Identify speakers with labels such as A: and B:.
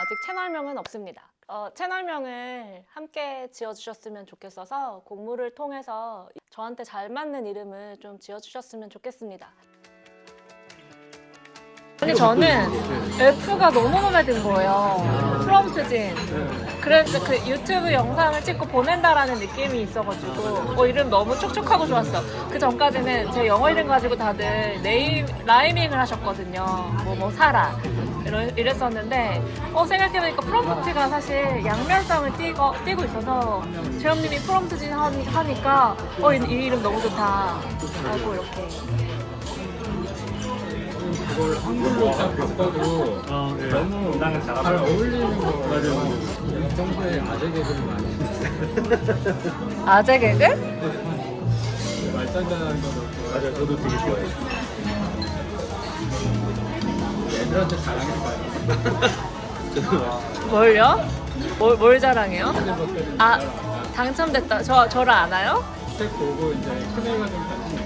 A: 아직 채널명은 없습니다. 채널명을 함께 지어주셨으면 좋겠어서 공모를 통해서 저한테 잘 맞는 이름을 좀 지어주셨으면 좋겠습니다. 근데 저는 F가 너무 마음에 든 거예요. 프롬 수진. 그래서 그 유튜브 영상을 찍고 보낸다라는 느낌이 있어가지고 이름 너무 촉촉하고 좋았어. 그 전까지는 제 영어 이름 가지고 다들 라이밍을 하셨거든요. 뭐 사라 이랬었는데 생각해보니까 프롬프트가 사실 양면성을 띠고 있어서 재현님이 프롬 수진 하니까 이 이름 너무 좋다 하고 이렇게.
B: 그걸 한글로 딱 바꿔도 너무 잘 어울리는 거 같아요. 평소에 아재 개그를 많이 했어요.
A: 아재 개그?
B: 말장난하는 거도 맞아요. 저도 되게 좋아해요. 애들한테 자랑해봐요.
A: 뭘요? 뭘 자랑해요? 당첨됐다. 저를 아나요?
B: 책 보고 이제 큰애가 좀 관심